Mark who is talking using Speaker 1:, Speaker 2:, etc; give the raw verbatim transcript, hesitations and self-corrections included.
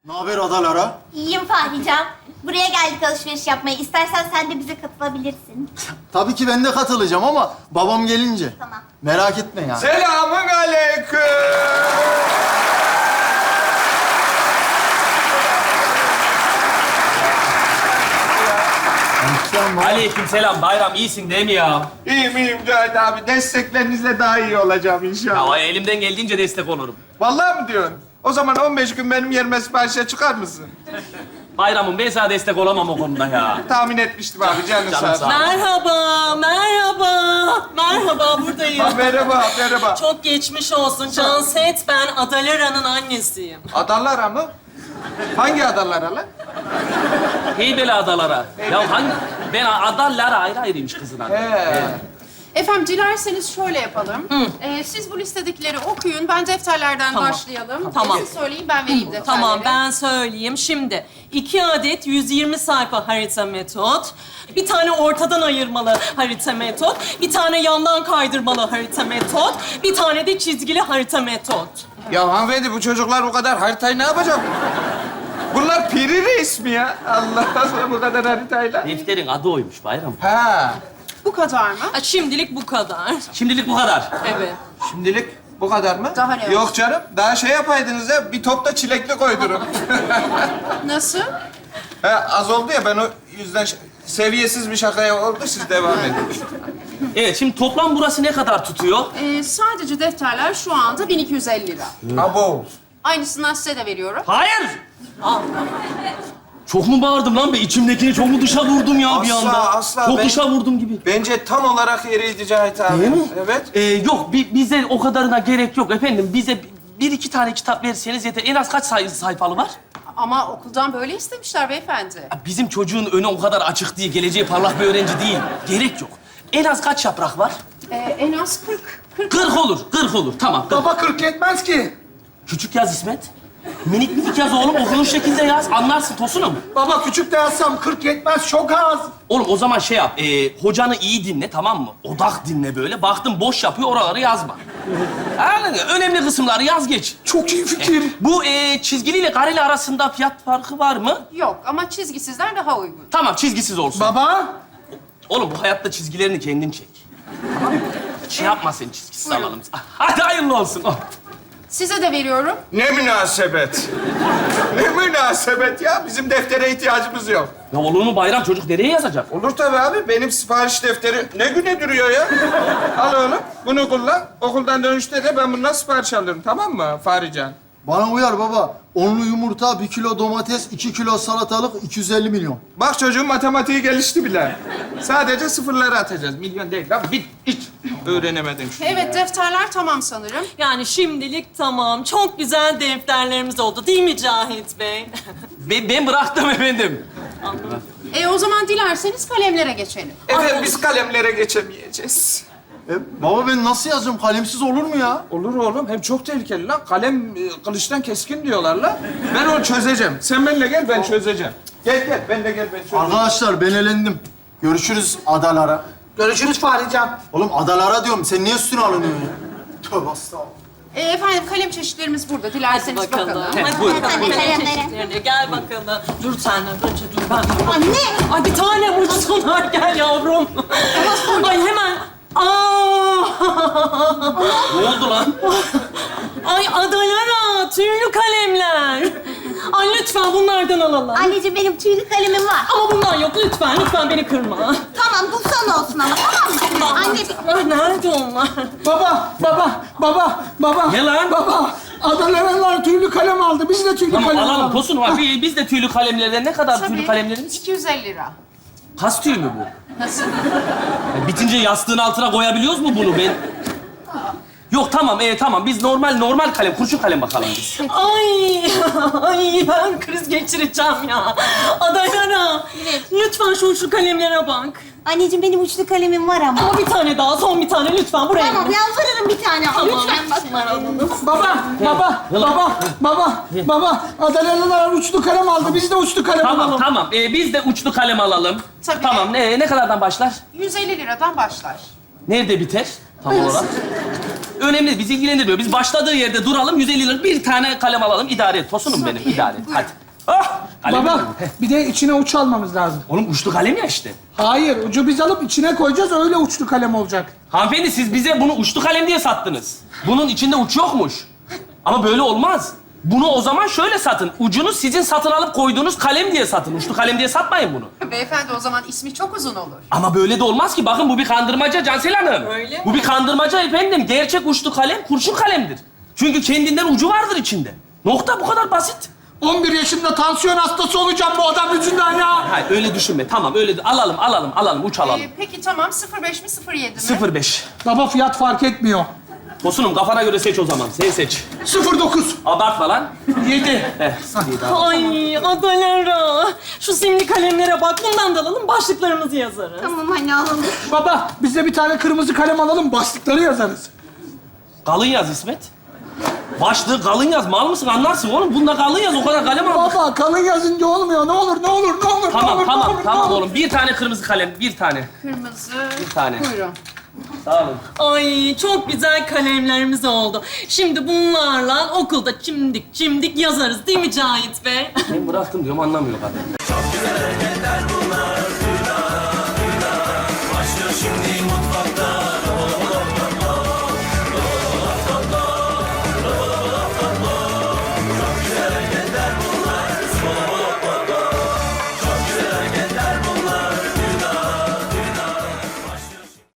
Speaker 1: Ne haber adalara?
Speaker 2: İyiyim Fahrican. Buraya geldik alışveriş yapmaya. İstersen sen de bize katılabilirsin.
Speaker 1: Tabii ki ben de katılacağım ama babam gelince.
Speaker 2: Tamam.
Speaker 1: Merak etme ya.
Speaker 3: Selamun aleyküm.
Speaker 1: Sen baba.
Speaker 4: Aleykümselam Bayram, iyisin değil mi ya?
Speaker 3: İyiyim iyiyim Cahit abi. Desteklerinizle daha iyi olacağım inşallah.
Speaker 4: Ya elimden geldiğince destek olurum.
Speaker 3: Vallahi mi diyorsun? O zaman on beş gün benim yerime siparişe çıkar mısın?
Speaker 4: Bayram'ım ben sana destek olamam o konuda ya.
Speaker 3: Tahmin etmiştim abi. Canın
Speaker 4: Canım
Speaker 3: sağ olsun.
Speaker 4: sağ ol.
Speaker 5: Merhaba, merhaba. Merhaba, buradayım.
Speaker 3: Ha, merhaba, merhaba.
Speaker 5: Çok geçmiş olsun. Canset, ben Adalara'nın annesiyim.
Speaker 3: Adalara mı? Hangi adalara lan?
Speaker 4: Heybeli adalara. Ya hangi... Ben adalara ayrı ayrıymış kızın adı.
Speaker 3: He.
Speaker 6: Efendim dilerseniz şöyle yapalım. Ee, siz bu listedekileri okuyun. Ben defterlerden
Speaker 5: Tamam.
Speaker 6: başlayalım.
Speaker 5: Tamam.
Speaker 6: Siz söyleyin ben vereyim defterleri.
Speaker 5: Tamam, ben söyleyeyim. Şimdi iki adet yüz yirmi sayfa harita metot, bir tane ortadan ayırmalı harita metot, bir tane yandan kaydırmalı harita metot, bir tane de çizgili harita metot.
Speaker 3: Ya hanımefendi bu çocuklar o kadar haritayı ne yapacak? Bunlar piri reis mi ya? Allah Allah bu kadar haritayla.
Speaker 4: Defterin adı oymuş Bayram.
Speaker 3: Ha.
Speaker 6: Bu kadar mı?
Speaker 5: Ha, şimdilik bu kadar.
Speaker 4: Şimdilik bu kadar.
Speaker 5: Evet.
Speaker 3: Şimdilik bu kadar mı?
Speaker 6: Daha ne
Speaker 3: Yok canım. Daha şey yapaydınız ya. Bir top da çilekli koydurun.
Speaker 6: Nasıl?
Speaker 3: He, az oldu ya ben o yüzden ş- seviyesiz bir şakaya oldu. Siz devam edin.
Speaker 4: Evet, şimdi toplam burası ne kadar tutuyor?
Speaker 6: Ee, sadece defterler şu anda bin iki yüz elli lira.
Speaker 3: Abo.
Speaker 6: Aynısından size de veriyorum.
Speaker 4: Hayır! Çok mu bağırdım lan be? İçimdekini çok mu dışa vurdum ya bir
Speaker 3: Asla,
Speaker 4: anda?
Speaker 3: asla.
Speaker 4: Çok
Speaker 3: Ben-
Speaker 4: dışa vurdum gibi.
Speaker 3: Bence tam olarak yeriydi Cahit abi.
Speaker 4: Değil mi?
Speaker 3: Evet.
Speaker 4: Ee, yok, bi- bize o kadarına gerek yok efendim. Bize bir iki tane kitap verseniz yeter. En az kaç say- sayfalı var?
Speaker 6: Ama okuldan böyle istemişler beyefendi.
Speaker 4: Ya bizim çocuğun önü o kadar açık değil. Geleceği parlak bir öğrenci değil. Gerek yok. En az kaç yaprak var?
Speaker 6: Ee, en az kırk. kırk.
Speaker 4: Kırk olur, kırk olur. Tamam, kırk.
Speaker 3: Baba kırk yetmez ki.
Speaker 4: Küçük yaz İsmet. Minik minik yaz oğlum. Okunun şekilde yaz. Anlarsın Tosunum.
Speaker 3: Baba küçük de yazsam kırk yetmez çok az.
Speaker 4: Oğlum o zaman şey yap. E, hocanı iyi dinle, tamam mı? Odak dinle böyle. Baktın boş yapıyor, oraları yazma. Anladın mı? Önemli kısımları yaz geç.
Speaker 3: Çok iyi fikir.
Speaker 4: Bu e, çizgiliyle kareli arasında fiyat farkı var mı?
Speaker 6: Yok ama çizgisizler daha uygun.
Speaker 4: Tamam, çizgisiz olsun.
Speaker 3: Baba.
Speaker 4: Oğlum bu hayatta çizgilerini kendin çek. Şey yapma sen, çizgisiz alalım. Hadi hayırlı olsun. Oh.
Speaker 6: Size de veriyorum.
Speaker 3: Ne münasebet. Ne münasebet ya. Bizim deftere ihtiyacımız yok.
Speaker 4: Ya olur mu Bayram? Çocuk nereye yazacak?
Speaker 3: Olur tabii abi. Benim sipariş defteri ne güne duruyor ya? Al oğlum. Bunu kullan. Okuldan dönüşte de ben bundan sipariş alırım. Tamam mı Fahrican?
Speaker 1: Bana uyar baba. Onlu yumurta, bir kilo domates, iki kilo salatalık, iki yüz elli milyon.
Speaker 3: Bak çocuğun matematiği gelişti bile. Sadece sıfırları atacağız. Milyon değil. Lan bir hiç öğrenemedim şunu.
Speaker 6: Evet defterler tamam sanırım.
Speaker 5: Yani şimdilik tamam. Çok güzel defterlerimiz oldu değil mi Cahit Bey?
Speaker 4: Ben, ben bıraktım efendim.
Speaker 6: E o zaman dilerseniz kalemlere geçelim.
Speaker 3: Efendim biz kalemlere geçemeyeceğiz.
Speaker 1: E, baba ben nasıl yazacağım? Kalemsiz olur mu ya?
Speaker 3: Olur oğlum. Hem çok tehlikeli lan. Kalem e, kılıçtan keskin diyorlar lan. Ben onu çözeceğim. Sen benimle gel, ben çözeceğim. Gel gel, benimle gel, ben çözeceğim.
Speaker 1: Arkadaşlar ben elendim. Görüşürüz adalara.
Speaker 7: Görüşürüz Fahrican.
Speaker 1: Oğlum adalara diyorum. Sen niye üstüne alınıyorsun ya? Tövbe estağfurullah.
Speaker 6: E, efendim kalem çeşitlerimiz burada.
Speaker 5: Hadi
Speaker 6: Dilerseniz
Speaker 5: bakalım.
Speaker 6: bakalım.
Speaker 5: Hadi
Speaker 4: buyurun.
Speaker 5: bakalım.
Speaker 2: Hadi
Speaker 5: Kalem
Speaker 2: kalemlere.
Speaker 5: çeşitlerine. Gel bakalım. Dur sen de önce dur ben.
Speaker 2: Anne!
Speaker 5: Ay bir tane uçsunlar gel yavrum. Ay hemen. Aa!
Speaker 4: Ne oldu lan?
Speaker 5: Ay adalara, tüylü kalemler. Ay lütfen bunlardan alalım.
Speaker 2: Anneciğim benim tüylü kalemim var.
Speaker 5: Ama bundan yok lütfen, lütfen beni kırma.
Speaker 2: Tamam bu son olsun ama tamam mı? Anne bir...
Speaker 5: Ay nerede onlar?
Speaker 7: Baba, baba, baba, baba.
Speaker 4: Ne lan?
Speaker 7: Baba, Adanalılar tüylü kalem aldı. Biz de tüylü
Speaker 4: Tamam
Speaker 7: kalem
Speaker 4: alalım
Speaker 7: alalım.
Speaker 4: Tosun var. Biz, biz de tüylü kalemlerden ne kadar
Speaker 6: Tabii.
Speaker 4: tüylü kalemlerimiz?
Speaker 6: iki yüz elli lira.
Speaker 4: Kas tüyü mü bu?
Speaker 6: Nasıl?
Speaker 4: Ya bitince yastığın altına koyabiliyoruz mu bunu ben? Yok tamam, e, tamam. Biz normal normal kalem, kurşun kalem bakalım biz.
Speaker 5: Ay, ay ben kriz geçireceğim ya. Adalara, lütfen şu şu kalemlere bak.
Speaker 2: Anneciğim benim uçlu kalemim var ama.
Speaker 5: Ama bir tane daha, son bir tane lütfen buraya.
Speaker 2: Tamam yalvarırım bir tane.
Speaker 5: Tamam.
Speaker 2: Lütfen bak.
Speaker 5: Bunları alalım.
Speaker 7: Baba, baba, baba, baba, baba. Adanalılar uçlu kalem aldı. Biz de uçlu kalem
Speaker 4: Tamam,
Speaker 7: alalım.
Speaker 4: tamam. E, biz de uçlu kalem alalım.
Speaker 6: Tabii.
Speaker 4: Tamam, ne, ne kadardan başlar?
Speaker 6: yüz elli liradan başlar.
Speaker 4: Nerede biter tam olarak? Önemli değil, bizi ilgilendirmiyor. Biz başladığı yerde duralım, yüz elli lira bir tane kalem alalım, idare et. Tosunum benim, idare et. Hadi. Ah! Kalem
Speaker 7: Baba,
Speaker 4: alalım. Heh.
Speaker 7: bir de içine uç almamız lazım.
Speaker 4: Oğlum uçlu kalem ya işte.
Speaker 7: Hayır, ucu biz alıp içine koyacağız, öyle uçlu kalem olacak.
Speaker 4: Hanımefendi siz bize bunu uçlu kalem diye sattınız. Bunun içinde uç yokmuş. Ama böyle olmaz. Bunu o zaman şöyle satın. Ucunu sizin satın alıp koyduğunuz kalem diye satın. Uçlu kalem diye satmayın bunu.
Speaker 6: Beyefendi o zaman ismi çok uzun olur.
Speaker 4: Ama böyle de olmaz ki. Bakın bu bir kandırmaca Cansel Hanım.
Speaker 5: Öyle mi?
Speaker 4: Bu bir kandırmaca efendim. Gerçek uçlu kalem kurşun kalemdir. Çünkü kendinden ucu vardır içinde. Nokta, bu kadar basit.
Speaker 7: on bir yaşında tansiyon hastası olacağım bu adam yüzünden ya.
Speaker 4: Hayır öyle düşünme. Tamam öyle alalım alalım alalım uç alalım.
Speaker 6: Ee, peki tamam sıfır beş mi sıfır yedi mi?
Speaker 4: sıfır beş.
Speaker 7: Baba fiyat fark etmiyor.
Speaker 4: Tosunum kafana göre seç o zaman. Sen seç.
Speaker 7: sıfır dokuz.
Speaker 4: Abartma lan.
Speaker 7: yedi.
Speaker 4: Heh.
Speaker 5: Ay Adalara. Şu simli kalemlere bak. Bundan da alalım, başlıklarımızı yazarız.
Speaker 2: Tamam anne alalım.
Speaker 7: Baba, biz de bir tane kırmızı kalem alalım, başlıkları yazarız.
Speaker 4: Kalın yaz İsmet. Başlığı kalın yaz. Mal mısın? Anlarsın oğlum. Bunda kalın yaz. O kadar kalem aldık.
Speaker 7: Baba, kalın yazınca olmuyor. Ne olur, ne olur, ne olur, ne
Speaker 4: Tamam
Speaker 7: olur,
Speaker 4: tamam
Speaker 7: ne olur,
Speaker 4: tamam
Speaker 7: ne olur.
Speaker 4: oğlum. Bir tane kırmızı kalem. Bir tane.
Speaker 6: Kırmızı.
Speaker 4: Bir tane.
Speaker 6: Buyurun.
Speaker 4: Sağ olun.
Speaker 5: Ay çok güzel kalemlerimiz oldu. Şimdi bunlarla okulda çimdik çimdik yazarız değil mi Cahit Bey?
Speaker 4: Ben bıraktım diyorum anlamıyor kadın.